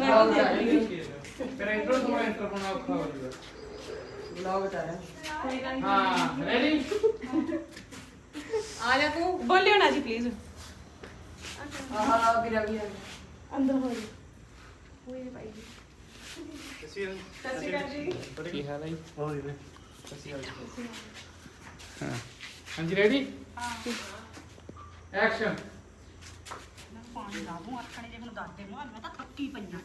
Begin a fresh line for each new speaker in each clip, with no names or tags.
तेरा इंट्रो थोड़ा इंट्रो होना औखा हो जाएगा
ब्लॉग बता रहा
हां रेडी
आ जा तू बोलियो ना जी प्लीज
हां गिरा भी
अंदर हो जी कोई नहीं पाएगी ससी जी
की हाल है हो जी ससी हां हां जी रेडी हां एक्शन
ਪਾਣੀ ਲਾ ਦੂੰ ਆਖਣੇ ਜੇ ਮੈਨੂੰ ਦੱਸ ਦੇ ਮੈਂ ਤਾਂ ਥੱਕੀ ਪਈਆਂ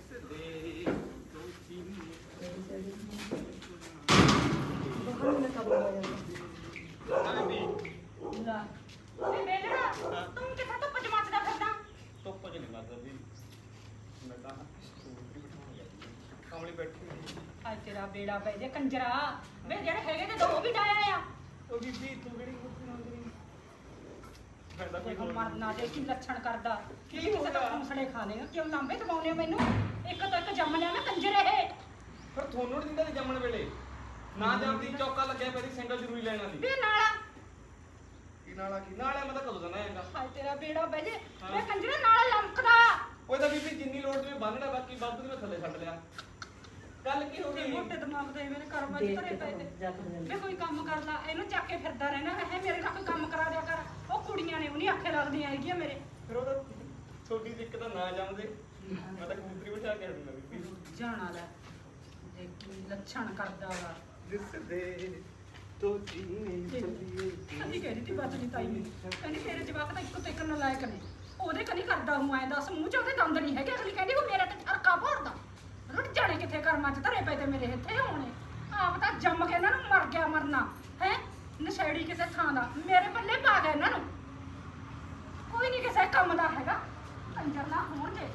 ਤੂੰ ਕਿੱਥੇ ਧੁੱਪ ਚ ਮੱਚਦਾ ਫਿਰਦਾ
ਧੁੱਪ ਚ ਨਹੀਂ ਮਰਦਾ ਵੀ ਮੈਂ ਤਾਂ ਸਕੂਟਰੀ ਬਿਠਾਉਣ ਗਿਆ ਕਮਲੀ ਬੈਠੀ
ਅੱਜ ਤੇਰਾ ਬੇੜਾ ਪੈ ਜੇ ਕੰਜਰਾ ਵੇ ਜਿਹੜੇ ਹੈਗੇ ਤੇ ਦੋ ਵੀ ਡਾਇਆ ਆ
ਉਹ ਬੀਬੀ ਤੂੰ ਕਿਹੜੀ ਕੁੱਤੀ ਨਾਲ ਕਰੀ ਫਾਇਦਾ ਕੋਈ
ਦੇਖੋ ਮਰਨਾ ਦੇ ਕੀ ਲੱਛਣ ਕਰਦਾ
ਕੀ
ਕਿਸੇ
ਹੋ
ਦਾ
ਗਿਆ?
ਹੌਸਲੇ ਖਾ ਲੇਗਾ ਕਿਉਂ ਲਾਂਬੇ ਦਬਾਉਨੇ ਹੋ ਮੈਨੂੰ ਇੱਕ ਤੋਂ ਇੱਕ ਜੰਮ ਲਿਆ ਮੈਂ ਕੰਜਰ ਇਹ
ਪਰ ਤੁਹਾਨੂੰ ਨਹੀਂ ਦਿੰਦਾ ਸੀ ਜੰਮਣ ਵੇਲੇ ਨਾ ਜੰਮਦੀ ਚੌਕਾ ਲੱਗਿਆ ਪੈਰੀ ਸਿੰਗਲ ਜ਼ਰੂਰੀ ਲੈਣਾ ਸੀ
ਵੇ ਨਾਲਾ
ਕੀ ਨਾਲਾ ਮੈਂ ਤਾਂ ਕਦੋਂ ਦੇਣਾ ਹੈਗਾ
ਹਾਏ ਤੇਰਾ ਬੇੜਾ ਪੈ ਜੇ
ਹਾਂ।
ਵੇ ਕੰਜਰਾ ਨਾਲਾ ਲੰਕਦਾ
ਉਹ ਤਾਂ ਬੀਬੀ ਜਿੰਨੀ ਲੋੜ ਤੇ ਬੰਨਣਾ ਬਾਕੀ ਬਾਬੂ ਦੇ ਮੈਂ ਥੱਲੇ ਛੱਡ ਲਿਆ ਗੱਲ ਕੀ ਹੋ
ਤੇ
ਗਈ
ਮੋਟੇ ਦਿਮਾਗ ਦੇ ਮੇਰੇ ਕਰਮਾਂ ਚ ਧਰੇ ਪਏ ਤੇ ਵੇ ਕੋਈ ਕੰਮ ਕਰ ਲਾ ਇਹਨੂੰ ਚੱਕ ਕੇ ਫਿਰਦਾ ਰਹਿਣਾ ਹੈ ਮੇਰੇ ਨਾਲ ਕੋਈ ਕੰਮ ਕਰਾ ਦਿਆ ਕਰ ਉਹ ਕੁੜੀਆਂ ਨੇ ਉਹ ਨਹੀਂ ਆਖੇ ਲੱਗਦੀਆਂ ਹੈਗੀਆਂ ਮੇਰੇ
ਫਿਰ ਉਹ ਤਾਂ ਛੋਟੀ ਜਿਹੀ ਇੱਕ ਤਾਂ ਨਾ ਜੰਮਦੇ ਮੈਂ ਤਾਂ ਕਬੂਤਰੀ ਬਿਠਾ ਕੇ ਹਟੂੰਗਾ ਬੀਬੀ
ਜਾਣਾ ਲੈ ਦੇਖ ਕੀ ਲੱਛਣ ਕਰਦਾ ਵਾ
ਜਿਸ ਦੇ ਤੋ ਜੀਨੇ ਚੱਲੀਏ
ਕਹਿੰਦੀ ਕਹਿ ਰਹੀ ਤੀ ਬਾਤ ਨਹੀਂ ਤਾਈ ਮੇਰੀ ਕਹਿੰਦੀ ਤੇਰੇ ਜਵਾਕ ਤਾਂ ਇੱਕੋ ਤੇ ਇੱਕ ਨਲਾਇਕ ਨੇ ਉਹਦੇ ਕਨੀ ਕਰਦਾ ਹੂੰ ਐ ਦੱਸ ਮੂੰਹ ਚ ਉਹਦੇ ਦੰਦ ਨਹੀਂ ਹੈਗੇ ਅਗਲੀ ਕਹਿੰਦੀ ਉਹ ਮੇਰਾ ਤੇ ਹਰਕਾ ਭੋਰਦਾ ਰੁੱਟ ਜਾਣੇ ਕਿੱਥੇ ਕਰਮਾਂ ਚ ਧਰੇ ਪਏ ਤੇ ਮੇਰੇ ਇੱਥੇ ਹੋਣੇ ਆਪ ਤਾਂ ਜੰਮ ਕੇ ਇਹਨਾਂ ਨੂੰ ਮਰ ਗਿਆ ਮਰਨਾ ਹੈ ਨਸ਼ੇੜੀ ਕਿਸੇ ਥਾਂ ਦਾ ਮੇਰੇ ਪੱਲੇ ਪਾ ਗਿਆ ਇਹਨਾਂ ਨੂੰ ਕੋਈ ਨਹੀਂ ਕਿਸੇ ਕੰਮ ਦਾ ਹੈਗਾ ਕੰਜਰ ਨਾ ਹੋਣਗੇ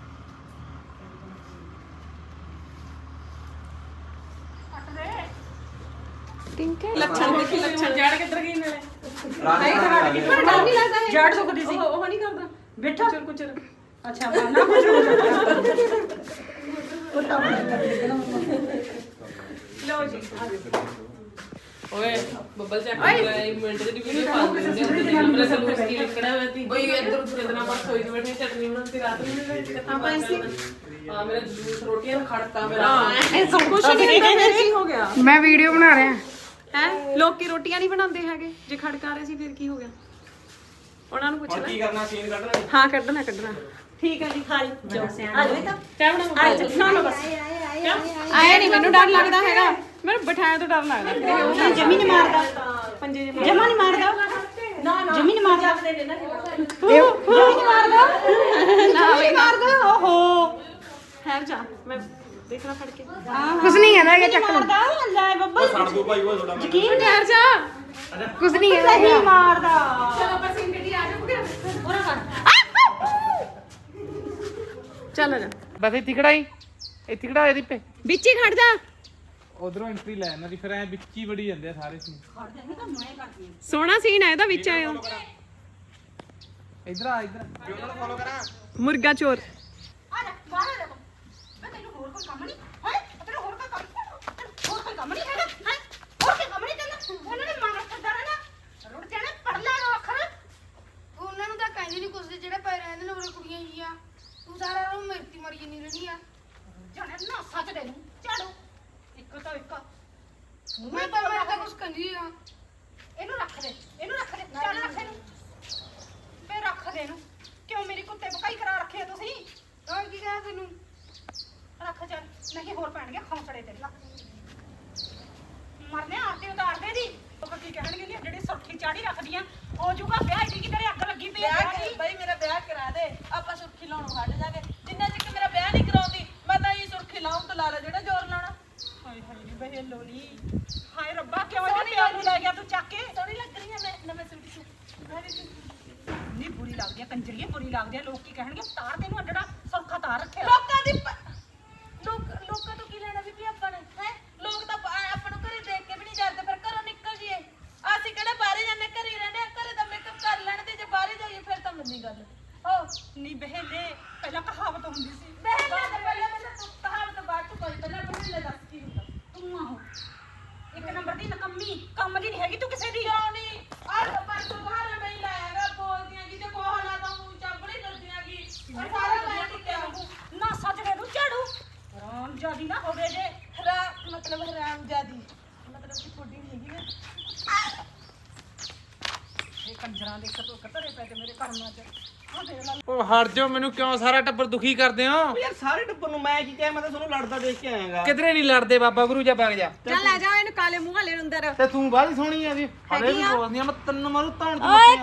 ਕੱਟ ਦੇ
ਲੱਛਣ ਦੇਖੀ ਲੱਛਣ ਜੜ ਕਿੱਧਰ ਗਈ ਨਾਲੇ
ਨਹੀਂ ਖੜਾ ਕੇ ਪਰ ਡਰ ਨਹੀਂ ਲੱਗਦਾ ਹੈ ਜੜ ਸੁੱਕਦੀ ਸੀ
ਉਹ ਨਹੀਂ ਕਰਦਾ
ਬੈਠਾ
ਕੁਛ
ਅੱਛਾ ਨਾ ਕੁਝ ਹੋ ਜਾਂਦਾ
ਲਓ ਜੀ ਓਏ ਬੱਬਲ ਚੈੱਕ ਕਰ ਲੈ ਇੱਕ ਮਿੰਟ ਦੀ ਵੀਡੀਓ ਪਾ ਦਿੰਦੇ ਉਹਦੇ ਨੰਬਰ ਸਲੂਸ ਕੀ ਲਿਖਣਾ ਹੋਇਆ ਤੀ ਬਈ ਇੱਧਰ ਉੱਧਰ ਇਤਨਾ ਪਰ ਸੋਈ ਤੇ ਬੈਠੇ ਚਟਨੀ ਬਣਾਉਂਦੀ ਰਾਤ ਨੂੰ ਕਿੱਥਾਂ ਪਾਈ ਸੀ ਆ ਮੇਰਾ ਜੂਸ ਰੋਟੀਆਂ ਖੜਤਾ ਮੇਰਾ
ਇਹ ਸਭ ਕੁਝ ਨਹੀਂ ਫਿਰ ਕੀ ਹੋ ਗਿਆ
ਮੈਂ ਵੀਡੀਓ ਬਣਾ ਰਿਹਾ
ਹੈ ਲੋਕੀ ਰੋਟੀਆਂ ਨਹੀਂ ਬਣਾਉਂਦੇ ਹੈਗੇ ਜੇ ਖੜਕਾ ਰਹੇ ਸੀ ਫਿਰ ਕੀ ਹੋ ਗਿਆ ਉਹਨਾਂ ਨੂੰ ਪੁੱਛ
ਹੁਣ
ਲੈ
ਕੀ ਕਰਨਾ ਸੀਨ ਕੱਢਣਾ
ਹਾਂ ਕੱਢਣਾ
ਠੀਕ ਹੈ ਜੀ ਖਾਲੀ ਆ ਜਾਵੇ ਤਾਂ
ਚਾਹ ਬਣਾ
ਨਾ ਨਾ ਬਸ
ਆਇਆ ਨਹੀਂ ਮੈਨੂੰ ਡਰ ਲੱਗਦਾ ਹੈਗਾ ਮੈਨੂੰ ਬਿਠਾਇਆ ਤੋਂ ਡਰ ਲੱਗਦਾ
ਜਮੀ ਨਹੀਂ ਮਾਰਦਾ
ਪੰਜੇ ਜੇ
ਜਮਾ ਨਹੀਂ ਮਾਰਦਾ ਨਾ ਨਾ ਜਮੀ ਨਹੀਂ ਮਾਰਦਾ
ਨਾ
ਜਮੀ ਨਹੀਂ ਮਾਰਦਾ ਓਹੋ
ਠਹਿਰ ਜਾ ਮੈਂ ਦੇਖਣਾ ਫੜ ਕੇ
ਕੁਛ ਨਹੀਂ ਕਹਿੰਦਾ ਕਿ ਚੱਕ ਲਓ।
ਮਾਰਦਾ ਲੈ ਬੱਬਾ
ਉਹ ਛੱਡ ਦੋ ਭਾਈ ਉਹ ਤੁਹਾਡਾ
ਯਕੀਨ
ਠਹਿਰ ਜਾ
ਕੁਛ ਨਹੀਂ
ਨਹੀਂ
ਕਹਿੰਦਾ
ਮਾਰਦਾ
ਚਲੋ ਆਪਾਂ ਸੀਨ ਕੱਢੀ ਆ ਜਾਓਗੇ
ਪੂਰਾ ਕਰ
ਚੱਲ ਜਾ
ਬਸ ਇਹ ਤਿਕੜਾਈ ਇਹ ਤਿਕੜਾ ਇਹਦੀ ਪੇ
ਵਿੱਚ ਹੀ ਖੜ ਜਾ
ਉਧਰੋਂ ਐਂਟਰੀ ਲੈ ਇਹਨਾਂ ਦੀ ਫਿਰ ਐ ਵਿੱਚ ਹੀ ਵੜੀ ਜਾਂਦੇ ਆ ਸਾਰੇ ਸੀ
ਸੋਹਣਾ ਸੀਨ ਹੈ ਇਹਦਾ ਵਿੱਚ ਆਇਆ
ਇਧਰ ਆ ਇਧਰ
ਵੀ ਉਹਨਾਂ ਨੂੰ ਫੋਲੋ ਕਰਾਂ
ਮੁਰਗਾ ਚੋਰ
ਆ ਜਾ ਬਾਹਰ ਆ ਜਾ ਮੈਂ ਤੈਨੂੰ ਹੋਰ ਕੋਈ ਕੰਮ ਨਹੀਂ ਹੈ ਤੈਨੂੰ ਹੋਰ ਕੋਈ ਕੰਮ ਹੋਰ ਕੋਈ ਕੰਮ ਨਹੀਂ ਹੈਗਾ ਹੈ ਹੋਰ ਕੋਈ ਕੰਮ ਨਹੀਂ ਤੈਨੂੰ ਉਹਨਾਂ ਨੇ ਮੰਗ ਕਰਦਾ ਰਹਿਣਾ ਰੁੜ ਜਾਣਾ ਪੜ ਲੈ ਲੋ ਅੱਖਰ
ਉਹਨਾਂ ਨੂੰ ਤਾਂ ਕਹਿੰਦੇ ਨਹੀਂ ਕੁਛ ਦੇ ਜਿਹੜੇ ਪੈ ਰਹਿੰਦੇ ਨੇ ਉਹਰੇ ਕੁੜੀਆਂ ਹੀ ਆ ਤੂੰ ਸਾਰਾ ਰੋ ਮਿਰਤੀ ਮਰੀ ਨਹੀਂ ਰਹਿਣੀ ਆ
ਜਾਣੇ ਨਾ ਸੱਚ ਦੇ ਨੂੰ ਝਾੜੋ ਇੱਕ ਤੋਂ ਇੱਕ
ਮੈਂ ਤਾਂ ਕੁਛ ਕਹਿੰਦੀ ਆ
ਇਹਨੂੰ ਰੱਖ ਦੇ ਚੱਲ ਰੱਖ ਇਹਨੂੰ ਫੇਰ ਰੱਖ ਦੇ ਇਹਨੂੰ ਕਿਉਂ ਮੇਰੀ ਕੁੱਤੇ ਬਕਾਈ ਕਰਾ ਰੱਖੇ ਆ ਤੁਸੀਂ
ਹੋਰ ਕੀ ਕਹਾਂ ਤੈਨੂੰ
ਰੱਖ ਚੱਲ ਨਹੀਂ ਹੋਰ ਪੈਣਗੇ ਖੌਂਸੜੇ ਤੇਰੇ ਨਾਲ ਮਰਨੇ ਆਰਤੀ ਉਤਾਰਦੇ ਦੀ ਲੋਕ ਕੀ ਕਹਿਣਗੇ ਨੀ ਜਿਹੜੀ ਸੁਰਖੀ ਚਾੜੀ ਰੱਖਦੀਆਂ ਹੋ ਜੂਗਾ ਵਿਆਹ ਦੀ ਕਿ ਤੇਰੇ ਅੱਗ ਲੱਗੀ ਪਈ ਆ
ਬਈ ਮੇਰਾ ਵਿਆਹ ਕਰਾ ਦੇ ਆਪਾਂ ਸੁਰਖੀ ਲਾਉਣੋਂ ਹਟ ਜਾਗੇ ਜਿੰਨਾ ਚਿਰ ਮੇਰਾ ਵਿਆਹ ਨਹੀਂ ਕਰਾਉਂਦੀ ਮੈਂ ਤਾਂ ਇਹ ਸੁਰਖੀ ਲਾਉਣ ਤੋਂ ਲਾ ਲੈ ਜਿਹੜਾ ਜ਼ੋਰ ਲਾਉਣਾ
ਹਾਏ ਹਾਏ ਨੀ ਬਹਿ ਲੋਲੀ ਹਾਏ ਰੱਬਾ ਕਿਉਂ ਇਹਨੇ ਪਿਓ ਨੂੰ ਲੈ ਗਿਆ ਤੂੰ ਚੱਕ ਕੇ
ਸੋਹਣੀ ਲੱਗ ਰਹੀ ਹੈ ਮੈਂ ਨਵੇਂ ਸੂਟ 'ਚ
ਨਹੀਂ ਬੁਰੀ ਲੱਗਦੀ ਆ ਕੰਜਰੀਏ ਬੁਰੀ ਲੱਗਦੀ ਆ ਲੋਕ ਕੀ ਕਹਿਣਗੇ ਤਾਰ ਤੈਨੂੰ ਅੱਡੜਾ ਸੁਰਖਾ ਤਾਰ ਰੱਖਿਆ
ਲੋਕਾਂ ਤੋਂ ਕੀ ਲੈਣਾ ਵੀ ਆਪਾਂ ਨੇ ਹੈ ਲੋਕ ਤਾਂ ਆਪਾਂ ਨੂੰ ਘਰੇ ਦੇਖ ਕੇ ਵੀ ਨਹੀਂ ਜਾਂਦੇ ਫਿਰ ਘਰੋਂ ਨਿਕਲ ਜੀਏ ਅਸੀਂ ਕਿਹੜਾ ਬਾਹਰੇ ਜਾਂਦੇ ਘਰੇ ਹੀ ਰਹਿੰਦੇ ਆ ਘਰੇ ਤਾਂ ਮੇਕਅਪ ਕਰ ਲੈਣ ਤੇ ਜੇ ਬਾਹਰੇ ਜਾਈਏ ਫਿਰ ਤਾਂ ਮੰਨੀ ਗੱਲ
ਨੀ ਬਹਿਲੇ ਪਹਿਲਾਂ ਕਹਾਵਤ ਹੁੰਦੀ ਸੀ
ਬਹਿਲੇ ਤਾਂ ਪਹਿਲਾਂ ਕਹਾਵਤ ਬਾਅਦ ਚ ਕੋਈ ਪਹਿਲਾਂ ਬਹਿਲੇ ਦੱਸ ਕੀ ਹੁੰਦਾ
ਤੂੰ ਆਹੋ ਇੱਕ ਨੰਬਰ ਦੀ ਨਕੰਮੀ ਕੰਮ ਦੀ ਨਹੀਂ ਹੈਗੀ ਤੂੰ ਕਿਸੇ ਦੀ
ਕਿਉਂ ਨਹੀਂ ਆਹ ਪਰਸੋਂ ਬਾਹਰ ਮੈਂ ਹੀ ਲਾਇਆਗਾ ਬੋਲਦੀਆਂ ਕਿ ਜੇ ਕੋਹ ਲਾ ਤਾਂ ਮੂੰਹ ਚਾਬੜੀ ਕਰਦੀਆਂ ਕਿ ਸਾਰਾ ਮੈਂ ਟਿੱਕਿਆ
ਨਾ ਸੱਚ ਦੇ ਤੂੰ ਰਾਜੀ ਨਾ ਹੋਵੇ ਜੇ
ਮਤਲਬ ਹਰਾਮਜ਼ਾਦੀ ਮਤਲਬ ਕਿ ਥੋੜੀ ਨਹੀਂ ਹੈਗੀ ਨਾ
ਇਹ ਕੰਜਰਾਂ ਦੇ ਘਰੇ ਪੈ ਕੇ ਮੇਰੇ ਕਰਮਾਂ 'ਚ ਆ ਦੇਖ ਲੈ
ਉਹ ਹਟ ਜਾਓ, ਮੈਨੂੰ ਕਿਉਂ ਸਾਰਾ ਟੱਬਰ ਦੁਖੀ ਕਰਦੇ ਹੋ?
ਯਾਰ ਸਾਰੇ ਟੱਬਰ ਨੂੰ ਮੈਂ ਕੀ ਕਿਹਾ, ਮੈਂ ਤਾਂ ਤੁਹਾਨੂੰ ਲੜਦਾ ਦੇਖ ਕੇ ਆਇਆਗਾ।
ਕਿਧਰੇ ਨਹੀਂ ਲੜਦੇ ਬਾਬਾ ਗੁਰੂ ਜਾ ਬਗ ਜਾ।
ਚੱਲ ਲੈ ਜਾ ਇਹਨੂੰ ਕਾਲੇ ਮੂੰਹ ਵਾਲੇ ਨੂੰ ਅੰਦਰ।
ਤੇ ਤੂੰ ਬਾਹਲੀ ਸੋਹਣੀ ਆ ਜੀ, ਹਲੇ ਵੀ ਬੋਲਦੀ ਆ, ਮੈਂ ਤੈਨੂੰ ਮਾਰੂ ਧੌਣ ਤੇ
ਓਏ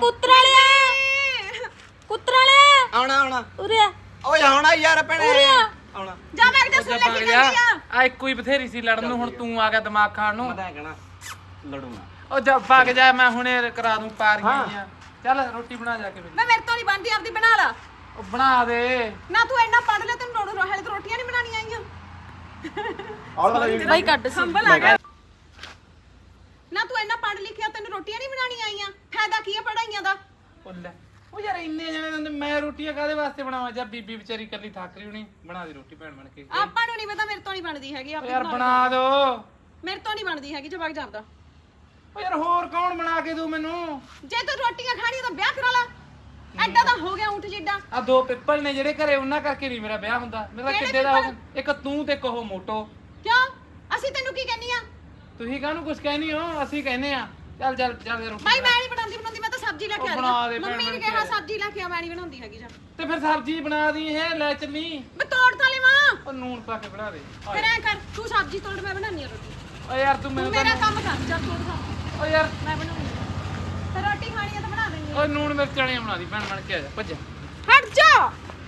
ਕੁੱਤਰਾਲਿਆ
ਆਉਣਾ
ਉਰੇ ਆ
ਓਏ ਆਉਣਾ ਯਾਰ ਭੈਣੇ ਆਉਣਾ।
ਜਾ ਮੈਂ ਕਿਤੇ ਸੁਣ ਲੈ ਕੀ ਕਹਿੰਦੀ ਆ।
ਆ ਇੱਕੋ ਹੀ ਬਥੇਰੀ ਸੀ ਲੜਨ ਨੂੰ, ਹੁਣ ਤੂੰ ਆ ਗਿਆ ਦਿਮਾਗ ਖਾਣ ਨੂੰ।
ਮੈਂ ਤਾਂ ਕਹਿਣਾ ਲੜੂਗਾ।
ਉਹ ਜਾ ਭੱਗ ਜਾ, ਮੈਂ ਹੁਣੇ ਕਰਾ ਦੂੰ ਪਾਰੀਆਂ ਆ। ਚੱਲ ਰੋਟੀ ਬਣਾ ਜਾ ਕੇ ਫਿਰ।
ਮੈਂ ਮੇਰੇ ਤੋਂ ਨਹੀਂ ਬਣਦੀ, ਆਪਦੀ ਬਣਾ ਲਾ।
ਉਹ ਬਣਾ ਦੇ
ਨਾ ਤੂੰ ਇੰਨਾ ਪੜ ਲੈ, ਤੈਨੂੰ ਰੋੜ ਹਾਲੇ ਤਾਂ ਰੋਟੀਆਂ ਨਹੀਂ ਬਣਾਉਣੀਆਂ ਆਈਆਂ।
ਆਉਣਾ
ਬਾਈ ਕੱਢ ਸੰਭਲ ਆ ਗਿਆ। ਨਾ ਤੂੰ ਇੰਨਾ ਪੜ ਲਿਖਿਆ, ਤੈਨੂੰ ਰੋਟੀਆਂ ਨਹੀਂ ਬਣਾਉਣੀਆਂ ਆਈਆਂ। ਫਾਇਦਾ ਕੀ ਹੈ ਪੜਾਈਆਂ ਦਾ?
ਉਹ ਲੈ, ਉਹ ਯਾਰ ਇੰਨੇ ਜਣੇ ਹੁੰਦੇ, ਮੈਂ ਰੋਟੀਆਂ ਕਾਹਦੇ ਵਾਸਤੇ ਬਣਾਵਾਂ? ਜਾਂ ਬੀਬੀ ਵਿਚਾਰੀ ਕੱਲੀ ਥੱਕ ਰਹੀ ਹੋਣੀ, ਬਣਾ ਦੇ ਰੋਟੀ ਭੈਣ ਬਣ ਕੇ।
ਆਪਾਂ ਨੂੰ ਨਹੀਂ ਪਤਾ, ਮੇਰੇ ਤੋਂ ਨਹੀਂ ਬਣਦੀ ਹੈਗੀ।
ਉਹ ਯਾਰ ਬਣਾ ਦੋ।
ਮੇਰੇ ਤੋਂ ਨਹੀਂ ਬਣਦੀ ਹੈਗੀ, ਜਵਾਕ ਜਾਂਦਾ।
ਉਹ ਯਾਰ ਹੋਰ ਕੌਣ ਬਣਾ ਕੇ ਦੂ ਮੈਨੂੰ?
ਜੇ ਤੂੰ ਰੋਟੀਆਂ ਖਾਣੀਆਂ ਤਾਂ ਵਿਆਹ ਕਰਾ ਲਾ। ਐਡਾ ਤਾਂ ਹੋ ਗਿਆ ਊਂਠ ਜਿੱਡਾ।
ਆ ਦੋ ਪਿੱਪਲ ਨੇ ਜਿਹੜੇ ਘਰੇ, ਉਹਨਾਂ ਕਰਕੇ ਨਹੀਂ ਮੇਰਾ ਵਿਆਹ ਹੁੰਦਾ। ਮੇਰਾ ਕਿੱਡੇ ਦਾ ਹੋ ਗਿਆ? ਇੱਕ ਤੂੰ ਤੇ ਇੱਕ ਉਹ ਮੋਟੋ।
ਕਿਉਂ? ਅਸੀਂ ਤੈਨੂੰ ਕੀ ਕਹਿੰਨੀ ਆ?
ਤੁਸੀਂ ਕਾਹਨੂੰ ਕੁਝ ਕਹਿਨੀ ਹੋ? ਅਸੀਂ ਕਹਿੰਨੇ ਆ। ਚੱਲ ਚੱਲ ਚੱਲ ਰੋਟੀ
ਬਾਈ ਮੈਂ ਨਹੀਂ ਬਣਾਉਂਦੀ, ਮੈਂ ਤਾਂ ਸਬਜ਼ੀ ਲੈ ਕੇ ਆ
ਬਣਾ
ਰਹੀ
ਦੇ
ਹਾਂ। ਮੰਮੀ ਨੇ
ਭੈਣ
ਕਿਹਾ
ਬਣ
ਸਬਜ਼ੀ ਲੈ ਕੇ ਆ, ਮੈਂ ਨਹੀਂ ਬਣਾਉਂਦੀ ਹੈਗੀ। ਜਾ
ਤੇ ਫਿਰ ਸਬਜ਼ੀ ਬਣਾ ਦੀ ਹੈ, ਲੈ ਚੱਲੀ।
ਮੈਂ ਤੋੜ ਤਾਂ ਲੈਵਾਂ।
ਉਹ ਨੂਣ ਪਾ ਕੇ ਬਣਾ ਦੇ।
ਫਿਰ ਐ ਕਰ, ਤੂੰ ਸਬਜ਼ੀ ਤੋੜ, ਮੈਂ ਬਣਾਉਣੀ ਆ ਰੋਟੀ।
ਓ ਯਾਰ ਤੂੰ
ਤੂੰ
ਮੈਨੂੰ
ਮੇਰਾ ਕੰਮ ਕਰ, ਜਾ ਤੋੜ ਖਾ।
ਓ ਯਾਰ
ਮੈਂ ਬਣਾਉਂਦੀ ਆ। ਫਿਰ ਰੋਟੀ ਖਾਣੀ ਆ ਤਾਂ ਬਣਾ ਦੇਣੀ ਆ।
ਓ ਨੂਣ ਮਿਰਚ ਵਾਲੀਆਂ ਬਣਾ ਦੀ ਭੈਣ ਬਣ ਕੇ, ਆ ਜਾ ਭੱਜ।
ਹਟ ਜਾ।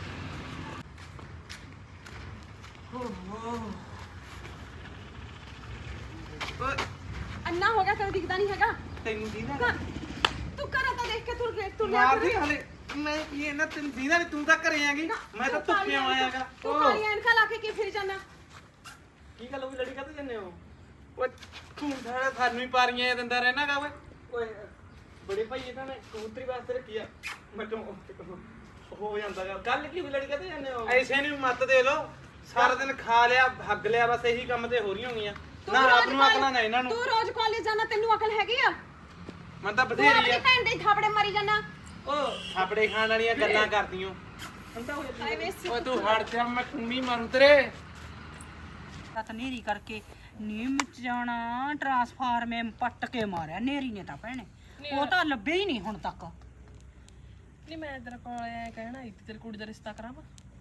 ਅੰਨਾ ਹੋ ਗਿਆ, ਤੈਨੂੰ ਦਿਖਦਾ ਨਹੀਂ ਹੈਗਾ?
ਤੈਨੂੰ ਦੀਦਾ
ਤੂੰ ਘਰ ਤਾਂ ਦੇਖ ਕੇ ਤੁਰ
ਮਾਰਦੀ ਹਲੇ। ਮੈਂ ਇਹ ਨਾ ਤੈਨੂੰ ਦੀਦਾ ਨਹੀਂ, ਤੂੰ ਤਾਂ ਘਰੇ ਆਂਗੀ, ਮੈਂ ਤਾਂ ਧੁੱਪੇ ਆਇਆਗਾ।
ਤੂੰ ਕਾਲੀਆਂ ਐਨਕਾਂ ਲਾ ਕੇ ਕੀ ਫਿਰ ਜਾਣਾ?
ਕੀ ਗੱਲ ਹੋ ਗਈ, ਲੜੀ ਕਾਹਤੇ ਜੰਨੇ ਹੋ?
ਓ ਤੂੰ ਸਾਰਾ ਸਾਨੂੰ ਹੀ ਪਾਰੀਆਂ ਦਿੰਦਾ ਰਹਿਣਾਗਾ ਓਏ।
ਓਏ ਬੜੇ ਭਾਈ ਇਹਨਾਂ ਨੇ ਕਬੂਤਰੀ ਵਾਸਤੇ ਰੱਖੀ ਆ। ਮੈਂ ਤਾਂ ਹੋ ਜਾਂਦਾਗਾ। ਗੱਲ ਕੀ ਹੋਈ, ਲੜੀ ਕਾਹਤੇ ਜੰਨੇ ਹੋ?
ਐਸੇ ਨੂੰ ਮੱਤ ਦੇ ਲੋ। ਸਾਰਾ ਦਿਨ ਖਾ ਲਿਆ, ਹੱਗ ਲਿਆ, ਬਸ ਇਹੀ ਕੰਮ ਤੇ ਹੋ ਰਹੀਆਂ ਹੋਣੀਆਂ। ਨਾ ਆਪ ਨੂੰ ਅਕਲ ਨਾ ਇਹਨਾਂ ਨੂੰ।
ਤੂੰ ਰੋਜ਼ ਕਾਲਜ ਜਾਣਾ, ਤੈਨੂੰ ਅਕਲ ਹੈਗੀ ਆ?
ਮੈਂ ਤਾਂ
ਤੂੰ
ਬਥੇਰੀ
ਆਪਣੀ
ਆ।
ਭੈਣ ਦੇ ਥਾਪੜੇ ਮਾਰੀ ਜਾਣਾ।
ਓ ਥਾਪੜੇ ਖਾਣ ਵਾਲੀਆਂ ਗੱਲਾਂ ਕਰਦੀਆਂ।
ਹਾਏ ਵੇਸੀ
ਓ ਤੂੰ ਹਟ ਜਾ, ਮੈਂ ਕੁੰਮੀ ਮਾਰੂ ਤੇਰੇ।
ਤਾਂ ਨੇਰੀ ਕਰਕੇ ਨੀਮ ਚ ਜਾਣਾ, ਟਰਾਂਸਫਾਰਮੇ ਪੱਟ ਕੇ ਮਾਰਿਆ ਨੇਰੀ ਨੇ ਤਾਂ ਭੈਣੇ। ਉਹ ਤਾਂ ਲੱਭੇ ਹੀ ਨਹੀਂ ਹੁਣ ਤੱਕ।
ਨਹੀਂ ਮੈਂ ਤੇਰੇ ਕੋਲ ਐ ਕਹਿਣਾ ਸੀ, ਤੇਰੀ ਕੁੜੀ ਦਾ ਰਿਸ਼ਤਾ ਕਰਾਵਾਂ?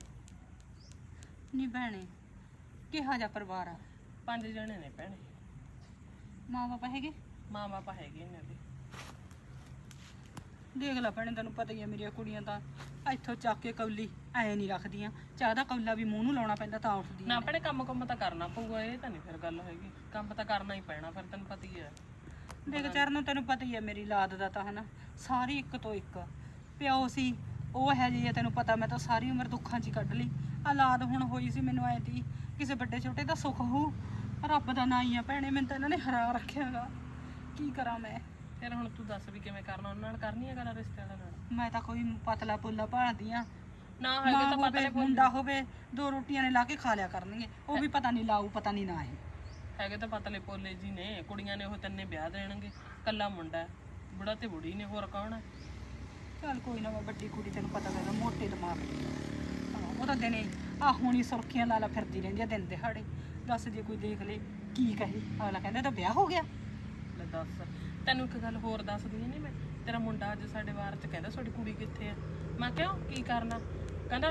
ਨਹੀਂ ਭੈਣੇ, ਕਿਹਾ ਜਾ ਪਰਿਵਾਰ ਆ?
5 ਜਣੇ ਨੇ ਭੈਣੇ।
ਮਾਂ ਬਾਪ ਹੈਗੇ?
ਮਾਂ ਬਾਪ ਹੈਗੇ ਇਹਨਾਂ ਦੇ।
ਦੇਖ ਲੈ ਭੈਣੇ, ਤੈਨੂੰ ਪਤਾ ਹੀ ਆ ਮੇਰੀਆਂ ਕੁੜੀਆਂ ਤਾਂ ਇੱਥੋਂ ਚੱਕ ਕੇ ਕੌਲੀ ਐ ਨਹੀਂ ਰੱਖਦੀਆਂ। ਚਾਹ ਦਾ ਕੌਲਾ ਵੀ ਮੂੰਹ ਨੂੰ ਲਾਉਣਾ ਪੈਂਦਾ ਤਾਂ ਉੱਠਦੀ
ਨਾ ਭੈਣੇ ਕੰਮ ਤਾਂ ਕਰਨਾ ਪਊਗਾ, ਇਹ ਤਾਂ ਨਹੀਂ ਫਿਰ ਗੱਲ ਹੈਗੀ। ਕੰਮ ਤਾਂ ਕਰਨਾ ਹੀ ਪੈਣਾ, ਫਿਰ ਤੈਨੂੰ ਪਤਾ ਹੀ ਹੈ।
ਦੇਖ ਚਰਨ, ਤੈਨੂੰ ਪਤਾ ਹੀ ਆ ਮੇਰੀ ਲਾਦ ਦਾ ਤਾਂ ਹਨਾ, ਸਾਰੀ ਇੱਕ ਤੋਂ ਇੱਕ ਪਿਓ ਸੀ। ਉਹ ਹੈ ਜੀ, ਤੈਨੂੰ ਪਤਾ ਮੈਂ ਤਾਂ ਸਾਰੀ ਉਮਰ ਦੁੱਖਾਂ 'ਚ ਹੀ ਕੱਢ ਲਈ। ਔਲਾਦ ਹੁਣ ਹੋਈ ਸੀ, ਮੈਨੂੰ ਐ ਤੀ ਕਿਸੇ ਵੱਡੇ ਛੋਟੇ ਦਾ ਸੁੱਖ ਹੋਊ। ਰੱਬ ਦਾ ਨਾਂ ਹੀ ਆ ਭੈਣੇ, ਮੈਨੂੰ ਤਾਂ ਇਹਨਾਂ ਨੇ ਹਰਾ ਰੱਖਿਆਗਾ। ਕੀ ਕਰਾਂ ਮੈਂ?
ਫਿਰ ਹੁਣ ਤੂੰ ਦੱਸ ਵੀ ਕਿਵੇਂ ਕਰਨਾ? ਉਹਨਾਂ ਨਾਲ ਕਰਨੀ ਹੈ ਗੱਲ ਰਿਸ਼ਤੇ ਵਾਲਿਆਂ ਨਾਲ?
ਮੈਂ ਤਾਂ ਕੋਈ ਪਤਲਾ ਪੁੱਲਾ ਭਾਲਦੀ ਆ।
ਨਾ ਹੈਗੇ ਤਾਂ ਪਤਾ ਨਹੀਂ,
ਮੁੰਡਾ ਹੋਵੇ, 2 ਰੋਟੀਆਂ ਨੇ ਲਾ ਕੇ ਖਾ ਲਿਆ ਕਰਨਗੇ। ਉਹ ਵੀ ਪਤਾ ਨਹੀਂ ਲਾਊ, ਪਤਾ ਨਹੀਂ ਨਾ ਹੈ।
ਹੈਗੇ ਤਾਂ ਪਤਲੇ ਪੋਲੇ ਜੀ ਨੇ। ਕੁੜੀਆਂ ਨੇ ਉਹ ਤਿੰਨੇ ਵਿਆਹ ਦੇਣਗੇ, ਕੱਲਾ ਮੁੰਡਾ ਹੈ, ਬੁੜਾ ਤੇ ਬੁੜੀ ਨੇ, ਹੋਰ ਕੌਣ ਹੈ?
ਚੱਲ ਕੋਈ ਨਾ, ਵੱਡੀ ਕੁੜੀ ਤੈਨੂੰ ਪਤਾ ਕਰਦਾ, ਮੋਟੇ ਦਿਮਾਗ ਦੀ। ਹਾਂ, ਉਹ ਤਾਂ ਦਿਨੇ ਆ ਹੁਣੀ ਸੁਰਖੀਆਂ ਲਾ ਫਿਰਦੀ ਰਹਿੰਦੀ ਆ ਦਿਨ ਦਿਹਾੜੇ। ਦੱਸ ਜੇ ਕੋਈ ਦੇਖ ਲੇ ਕੀ ਕਹੇ? ਅਗਲਾ ਕਹਿੰਦਾ ਤਾਂ ਵਿਆਹ ਹੋ ਗਿਆ।
ਲੈ ਦੱਸ, ਤੈਨੂੰ ਇੱਕ ਗੱਲ ਹੋਰ ਦੱਸਦੀ ਨਹੀਂ ਮੈਂ। ਤੇਰਾ ਮੁੰਡਾ ਅੱਜ ਸਾਡੇ ਵਾਰ ਚ ਕਹਿੰਦਾ ਤੁਹਾਡੀ ਕੁੜੀ ਕਿੱਥੇ ਆ? ਮੈਂ ਕਿਉਂ ਕੀ ਕਰਨਾ? ਕਹਿੰਦਾ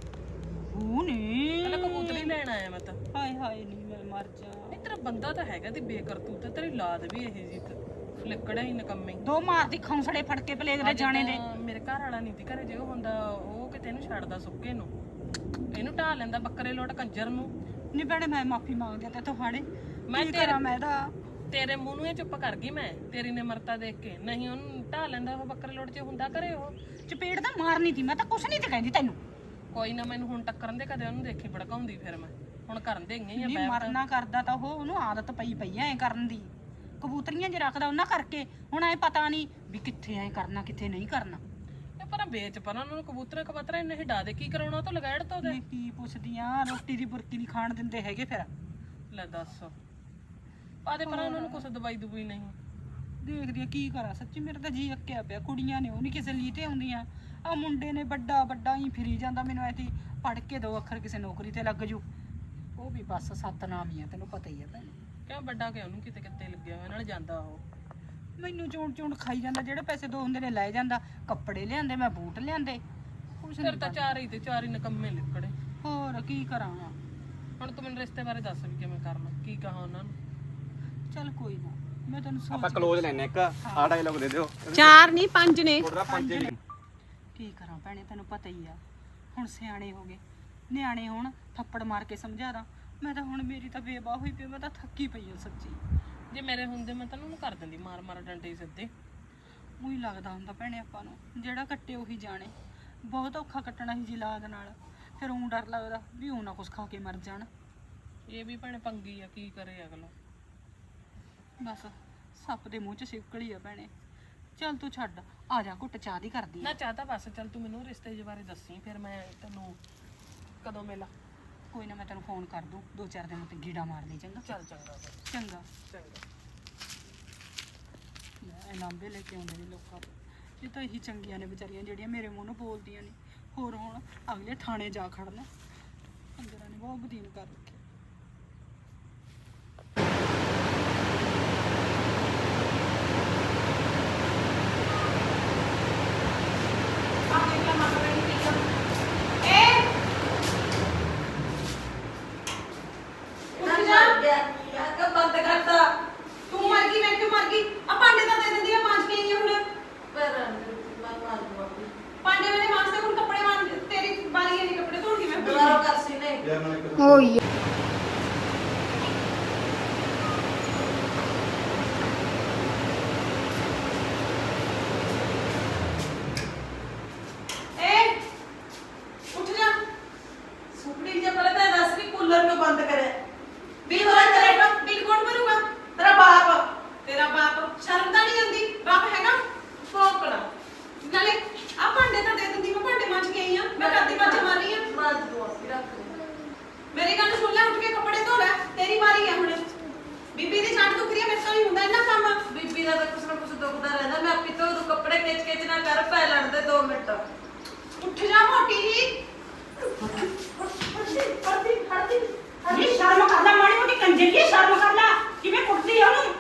ਕਹਿੰਦਾ
ਕਬੂਤਰੀ ਲੈਣ ਆਇਆ ਮੈਂ ਤਾਂ।
ਹਾਏ ਹਾਏ ਨਹੀਂ ਮੈਂ ਮਰ ਜਾ।
ਨਹੀਂ ਤੇਰਾ ਬੰਦਾ ਤਾਂ ਹੈਗਾ ਤੇ ਬੇਕਰਤੂਤ, ਤੇਰੀ ਲਾਦ ਵੀ ਇਹ ਜੀ ਫਲਿੱਕੜਾ ਹੀ ਨਕੰਮੇ।
2 ਮਾਰਦੀ ਖੌਂਸੜੇ ਫੜ ਕੇ ਪਲੇਗ ਦੇ ਜਾਣੇ ਦੇ।
ਮੇਰੇ ਘਰ ਵਾਲਾ ਨਹੀਂ ਸੀ ਘਰੇ, ਜੇ ਉਹ ਹੁੰਦਾ ਉਹ ਕਿਤੇ ਇਹਨੂੰ ਛੱਡਦਾ ਸੁੱਕੇ ਨੂੰ, ਇਹਨੂੰ ਢਾ ਲੈਂਦਾ ਬੱਕਰੇ ਲੋਟ ਕੰਜਰ ਨੂੰ।
ਨਹੀਂ ਭੈਣੇ, ਮੈਂ ਮਾਫੀ ਮੰਗਦੀ ਤੇ ਤੁਹਾਡੇ।
ਮੈਂ
ਤੇਰਾ ਮੈਂ ਤਾਂ
ਤੇਰੇ ਮੂੰਹ ਨੂੰ ਇਹ ਚੁੱਪ ਕਰ ਗਈ ਮੈਂ, ਤੇਰੀ ਨਿਮਰਤਾ ਦੇਖ ਕੇ। ਨਹੀਂ ਉਹਨੂੰ ਢਾ ਲੈਂਦਾ ਉਹ ਬੱਕਰੇ ਲੋਟ, ਜੇ ਹੁੰਦਾ ਘਰੇ ਉਹ
ਚਪੇੜ ਤਾਂ ਮਾਰਨੀ ਸੀ। ਮੈਂ ਤਾਂ ਕੁਛ ਨਹੀਂ ਤੇ ਕਹਿੰਦੀ ਤੈਨੂੰ।
ਕੋਈ ਨਾ, ਮੈਨੂੰ ਹੁਣ ਟੱਕਰਨ ਦੇ, ਕਦੇ ਉਹਨੂੰ ਦੇਖੀ ਭੜਕਾਉਂਦੀ ਫਿਰ ਮੈਂ। ਹੁਣ ਕਰਨ ਦੇ ਗਈ
ਨਹੀਂ ਮਰਨਾ ਕਰਦਾ ਤਾਂ ਉਹਨੂੰ ਆਦਤ ਪਈ ਐ ਕਰਨ ਦੀ। ਕਬੂਤਰੀਆਂ ਜੇ ਰੱਖਦਾ ਉਹਨਾਂ ਕਰਕੇ। ਹੁਣ ਐ ਪਤਾ ਨਹੀਂ ਵੀ ਕਿੱਥੇ ਐ ਕਰਨਾ, ਕਿੱਥੇ ਨਹੀਂ ਕਰਨਾ।
ਇਹ ਪਰ ਵੇਚ ਪਰ ਉਹਨਾਂ ਨੂੰ ਕਬੂਤਰ ਕਬੂਤਰ ਇਹਨੇ ਹਿਡਾ ਦੇ, ਕੀ ਕਰਾਉਣਾ ਉਹ ਤੋਂ ਲਗਾੜ ਤੋਂ ਦੇ।
ਕੀ ਪੁੱਛਦੀਆਂ? ਰੋਟੀ ਦੀ ਬੁਰਕੀ ਨਹੀਂ ਖਾਣ ਦਿੰਦੇ ਹੈਗੇ ਫਿਰ।
ਲੈ ਦੱਸ, ਆਦੇ ਪਰ ਉਹਨਾਂ ਨੂੰ ਕੁਛ ਦਵਾਈ ਦਵਾਈ ਨਹੀਂ।
ਦੇਖਦੀ ਆ ਕੀ ਕਰਾਂ, ਸੱਚੀ ਮੇਰੇ ਤਾਂ ਜੀ ਅੱਕਿਆ ਪਿਆ। ਕੁੜੀਆਂ ਨੇ ਉਹ ਨਹੀਂ ਕਿਸੇ ਲਈ ਤੇ ਆਉਂਦੀਆਂ। ਆ ਮੁੰਡੇ ਨੇ ਵੱਡਾ ਹੀ ਫਿਰੀ ਜਾਂਦਾ। ਮੈਨੂੰ ਐ ਤੀ ਪੜ ਕੇ 2 ਅੱਖਰ ਕਿਸੇ ਨੌਕਰੀ ਤੇ ਲੱਗ ਜੂ।
ਉਹ
ਵੀ ਬਸ ਸਤਨਾਮ ਹੀ ਆ, ਤੈਨੂੰ ਪਤਾ ਹੀ ਆ ਭੈਣੇ।
ਕਿਉਂ ਵੱਡਾ ਕਿ ਉਹਨੂੰ ਕਿਤੇ ਕਿਤੇ ਲੱਗਿਆ ਹੋਇਆ ਨਾਲ ਜਾਂਦਾ ਉਹ।
ਮੈਨੂੰ ਚੂਣ ਖਾਈ ਜਾਂਦਾ, ਜਿਹੜੇ ਪੈਸੇ ਦੋ ਹੁੰਦੇ ਨੇ ਲੈ ਜਾਂਦਾ। ਕੱਪੜੇ ਲਿਆਂਦੇ, ਮੈਂ ਬੂਟ ਲਿਆਂਦੇ, ਕੁਛ
ਫਿਰ
ਨਹੀਂ
ਤਾਂ ਚਾਰ ਹੀ ਨਕੰਮੇ ਨਿਕੜੇ।
ਹੋਰ ਕੀ ਕਰਾਂ।
ਹੁਣ ਤੂੰ ਮੈਨੂੰ ਰਿਸ਼ਤੇ ਬਾਰੇ ਦੱਸ ਵੀ ਕਿਵੇਂ ਕਰਨਾ, ਕੀ ਕਹਾਂ ਉਹਨਾਂ ਨੂੰ।
ਚੱਲ ਕੋਈ ਨਾ, ਮੈਂ ਤੈਨੂੰ ਸੋਚ
ਆਪਾਂ ਕਲੋਜ਼ ਲੈਣੇ ਇੱਕ ਆ ਡਾਇਲੌਗ ਦੇ ਦਿਓ।
4 ਨਹੀਂ 5 ਨੇ।
ਥੋੜਾ 5
ਕੀ ਕਰਾਂ ਭੈਣੇ, ਤੈਨੂੰ ਪਤਾ ਹੀ ਆ ਹੁਣ ਸਿਆਣੇ ਹੋ ਗਏ, ਨਿਆਣੇ ਹੁਣ ਥੱਪੜ ਮਾਰ ਕੇ ਸਮਝਾ ਦਾਂ। ਮੈਂ ਤਾਂ ਹੁਣ ਮੇਰੀ ਤਾਂ ਬੇਬਾਹ ਹੋਈ ਪਈ, ਮੈਂ ਤਾਂ ਥੱਕੀ ਪਈ ਹਾਂ ਸੱਚੀ।
ਜੇ ਮੇਰੇ ਹੁੰਦੇ ਮੈਂ ਤੈਨੂੰ ਕਰ ਦਿੰਦੀ ਮਾਰ ਡੰਡੇ ਸਿੱਧੇ।
ਉਹੀ ਲੱਗਦਾ ਹੁੰਦਾ ਭੈਣੇ ਆਪਾਂ ਨੂੰ, ਜਿਹੜਾ ਕੱਟੇ ਉਹੀ ਜਾਣੇ। ਬਹੁਤ ਔਖਾ ਕੱਟਣਾ ਸੀ ਜੀ ਲਾਦ ਨਾਲ, ਫਿਰ ਊਂ ਡਰ ਲੱਗਦਾ ਵੀ ਉਹ ਨਾ ਕੁਛ ਖਾ ਕੇ ਮਰ ਜਾਣ।
ਇਹ ਵੀ ਭੈਣੇ ਪੰਗੀ ਆ, ਕੀ ਕਰੇ ਅਗਲਾ।
ਬਸ ਸੱਪ ਦੇ ਮੂੰਹ 'ਚ ਸਿਵਕਲੀ ਆ ਭੈਣੇ। ਚੱਲ ਤੂੰ ਛੱਡ, ਆ ਜਾ ਘੁੱਟ ਚਾਹ ਦੀ ਕਰਦੀ ਆ।
ਨਾ ਚਾਹ ਤਾਂ ਬਸ, ਚੱਲ ਤੂੰ ਮੈਨੂੰ ਰਿਸ਼ਤੇ ਦੇ ਬਾਰੇ ਦੱਸੀ, ਫਿਰ ਮੈਂ ਤੈਨੂੰ ਕਦੋਂ ਮਿਲਾਂ।
ਕੋਈ ਨਾ, ਮੈਂ ਤੈਨੂੰ ਫੋਨ ਕਰ ਦੂੰ, 2-4 ਦਿਨ ਉੱਤੇ ਗੀੜਾ ਮਾਰ ਲਈ। ਚੰਗਾ
ਚੱਲ ਚੰਗਾ ਫਿਰ।
ਚੰਗਾ।
ਚੰਗਾ।
ਲੈ ਲਾਂਬੇ ਲੈ ਕੇ ਆਉਂਦੇ ਨੇ ਲੋਕਾਂ ਤੋਂ। ਇਹ ਤਾਂ ਇਹੀ ਚੰਗੀਆਂ ਨੇ ਵਿਚਾਰੀਆਂ ਜਿਹੜੀਆਂ ਮੇਰੇ ਮੂੰਹ ਨੂੰ ਬੋਲਦੀਆਂ ਨੇ। ਹੋਰ ਹੁਣ ਅਗਲੇ ਥਾਣੇ ਜਾ ਖੜਨਾ। ਅੰਦਰਾਂ ਨੇ ਬਹੁਤ ਬਦੀਨ ਕਰ ਰੱਖਿਆ।
ਬੰਦ ਕਰਤਾ।
ਤੂੰ ਮਰ ਗਈ, ਮੈਂ ਕਿਉਂ ਮਰ ਗਈ? ਆ ਭਾਂਡੇ ਤਾਂ ਦੇ ਦਿੰਦੀ, ਮੈਂ ਮਾਂਜ ਕੇ ਆਈ ਹਾਂ ਹੁਣ।
ਪਰ ਮੈਂ ਮਾਰ ਦੂੰਗੀ।
ਭਾਂਡੇ ਮੈਨੇ ਮਾਂਜਦੇ, ਹੁਣ ਕੱਪੜੇ ਮਾਂਜ, ਤੇਰੀ ਵਾਰੀ ਹੈ, ਕੱਪੜੇ ਧੋਣ ਦੀ ਮੈਂ।
ਦੁਬਾਰਾ ਕਰ ਸੀ ਨੇ।
ਹੋਈ
ਏ ਉੱਠ ਜਾ।
ਸੁਪੜੀ ਜੇ ਪਹਿਲਾਂ ਤਾਂ ਦੱਸ ਵੀ ਕੂਲਰ ਕਿਉਂ ਬੰਦ ਕਰਿਆ?
ਬਿੱਲ ਕੌਣ ਭਰੂਗਾ?
ਤੇਰਾ ਬਾਪ।
ਤੇਰਾ ਬਾਪ। ਸ਼ਰਮ ਤਾਂ ਨਹੀਂ ਆਉਂਦੀ? ਬਾਪ ਹੈਗਾ?
ਭੌਂਕਣਾ।
ਨਾਲੇ ਆ ਭਾਂਡੇ ਤਾਂ ਦੇ ਦਿੰਦੀ, ਮੈਂ ਭਾਂਡੇ ਮਾਂਜ ਕੇ ਆਈ ਹਾਂ। ਮੈਂ ਕਰਦੀ ਮਾਂਜ ਮਾਰ ਰਹੀ ਹਾਂ।
ਮਾਰ ਦੂੰਗੀ, ਰੱਖ ਦੇ।
ਮੇਰੀ ਗੱਲ ਸੁਣ ਲੈ, ਉੱਠ ਕੇ ਕੱਪੜੇ ਧੋ ਲੈ, ਤੇਰੀ ਵਾਰੀ ਹੈ ਹੁਣ। ਬੀਬੀ ਦੀ ਛੱਡ ਦੁਖਰੀ ਹੈ, ਮੇਰੇ ਤੋਂ ਨਹੀਂ ਹੁੰਦਾ ਇੰਨਾ ਕੰਮ।
ਬੀਬੀ ਦਾ ਤਾਂ ਕੁਛ ਨਾ ਕੁਛ ਦੁਖਦਾ ਰਹਿੰਦਾ। ਮੈਂ ਆਪੀ ਤੋਂ ਤੂੰ ਕੱਪੜੇ ਖਿੱਚ ਨਾ ਕਰ, ਪੈ ਲੜਦੇ 2 ਮਿੰਟ।
ਉੱਠ ਜਾ ਮੋਟੀ ਜੀ।
ਨਹੀਂ ਸ਼ਰਮ ਕਰਦਾ, ਮਾੜੀ ਮੋਟੀ ਕੰਜਰੀ ਸ਼ਰਮ ਕਰ ਲੈ। ਕਿਵੇਂ ਕੁੱਟਦੀ ਆ ਉਹਨੂੰ?